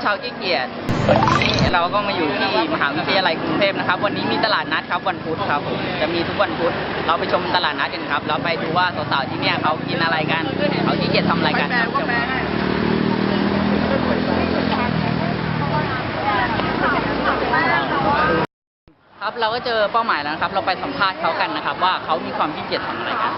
ชาวขี้เกียจวันนี้เราก็มาอยู่ที่มหาวิทยาลัยกรุงเทพนะครับวันนี้มีตลาดนัดครับวันพุธครับผมจะมีทุกวันพุธเราไปชมตลาดนัดกันครับเราไปดูว่าสาวๆที่เนี่ยเขากินอะไรกันเขาขี้เกียจทำอะไรกันครับเราก็เจอเป้าหมายแล้วนะครับเราไปสัมภาษณ์เขากันนะครับว่าเขามีความขี้เกียจทำอะไรกัน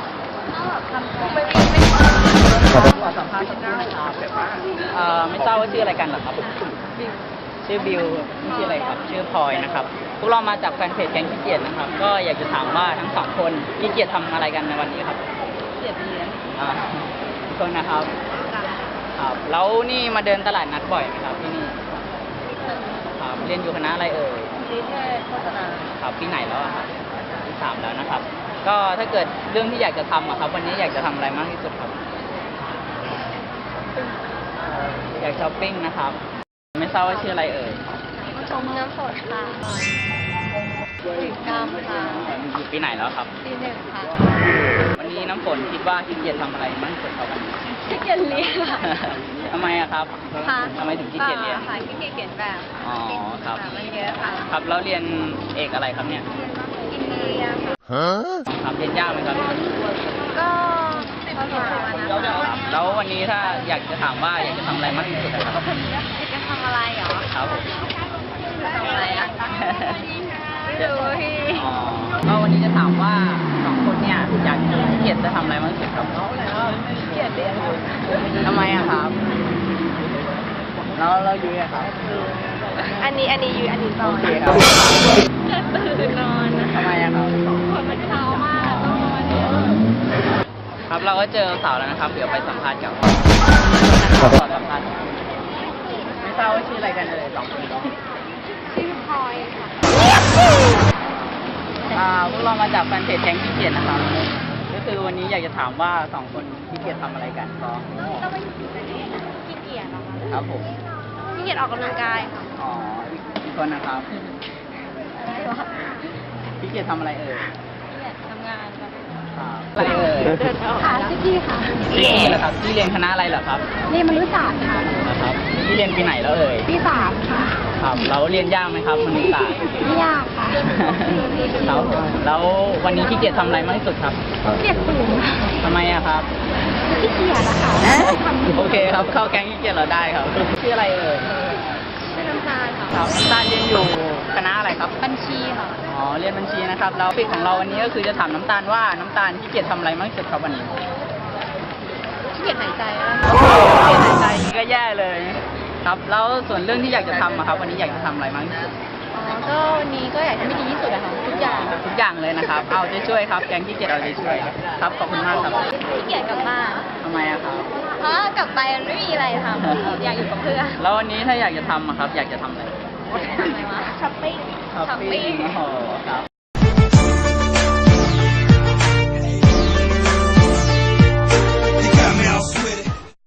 ขอสัมภาษณ์สักนิดนะครับไม่ทราบว่าชื่ออะไรกันเหรอครับชื่อบิวชื่ออะไรครับชื่อพลอยนะครับพวกเรามาจากแฟนเพจแก๊งขี้เกียจนะครับก็อยากจะถามว่าทั้งสองคนขี้เกียจทำอะไรกันในวันนี้ครับขี้เกียจเรียนทุกคนนะครับครับแล้วนี่มาเดินตลาดนัดบ่อยไหมครับที่นี่ครับเรียนอยู่คณะอะไรเอ่ยนิเทศโฆษณาครับปีไหนแล้วครับปี 3แล้วนะครับก็ถ้าเกิดเรื่องที่อยากจะทำอะครับวันนี้อยากจะทำอะไรมากที่สุดครับอยากช้อปปิ้งนะครับไม่ทราบว่าชื่ออะไรเอ่ยชมน้ำฝนค่ะถึงกามค่ะอยู่ปีไหนแล้วครับปี 1ค่ะวันนี้น้ำฝนคิดว่าขี้เกียจทำอะไรมากที่สุดครับวันนี้ขี้เกียจเรียนค่ะทำไมอะครับทำไมถึงขี้เกียจเรียนค่ะขี้เกียจเขียนแบบอ๋อครับมันเยอะค่ะครับแล้วเรียนเอกอะไรครับเนี่ยอินเดียค่ะครับเรียนยากไหมครับก็พอสมควรนะคะแล้ววันนี้ถ้าอยากจะถามว่าอยากจะทำอะไรมากที่สุดครับอยากจะทำอะไรเหรอครับทำอะไรอ่ะไม่รู้พี่ก็วันนี้จะถามว่าสองคนเนี่ยอยากขี้เกียจจะทำอะไรมากที่สุดครับขี้เกียจเรียนทำไมอะครับเราอยู่อะครับอันนี้อยู่อันนี้ตอนโอเคครับตื่นนอนทำไมอะครับคนมันเช้ามากต้องนอนครับเราก็เจอสาวแล้วนะครับเดี๋ยวไปสัมภาษณ์กับขอสัมภาษณ์ไม่ทราบว่าชื่ออะไรกันเลยสองคนชื่อพลอยค่ะพวกเรามาจากแฟนเพจแก๊งขี้เกียจนะครับก็คือวันนี้อยากจะถามว่าสองคนขี้เกียจทำอะไรกันก็ขี้เกียจเหรอคะครับผมขี้เกียจออกกำลังกายค่ะอ๋ออีกคนนะครับขี้เกียจทำอะไรเอ่ยขี้เกียจทำงานค่ะอะไรเอ่ยค่ะพี่ค่ะพี่เหรอครับพี่เรียนคณะอะไรเหรอครับเรียนมนุษยศาสตร์ค่ะนะครับพี่เรียนปีไหนแล้วเอ่ยปี 3ค่ะครับแล้วเรียนยากไหมครับมนุษยศาสตร์ไม่ยากค่ะแล้ววันนี้ขี้เกียจทำอะไรมากที่สุดครับขี้เกียจตื่นทำไมอะครับขี้เกียจอะค่ะโอเคครับเข้าแก๊งขี้เกียจเราได้ครับชื่ออะไรเอ่ยชื่อน้ำตาลค่ะครับน้ำตาลเรียนอยู่คณะอะไรครับบัญชีค่ะอ๋อเรียนบัญชีนะครับแล้วปิดของเราวันนี้ก็คือจะถามน้ำตาลว่าน้ำตาลขี้เกียจทำอะไรมากที่สุดครับวันนี้ขี้เกียจหายใจแล้วขี้เกียจหายใจก็แย่เลยครับแล้วส่วนเรื่องที่อยากจะทำอะครับวันนี้อยากจะทำอะไรมากที่สุดก็วันนี้ก็อยากทำให้ดีที่สุดอะค่ะทุกอย่างเลยนะครับเอาใจช่วยครับแก๊งขี้เกียจเอาใจช่วยครับขอบคุณมากครับขี้เกียจกลับบ้านทำไมอะครับเพราะกลับไปมันไม่มีอะไรทำอยากอยู่กับเพื่อนแล้ววันนี้ถ้าอยากจะทำอะครับอยากจะทำอะไรช้อปปิ้งโอ้โหครับ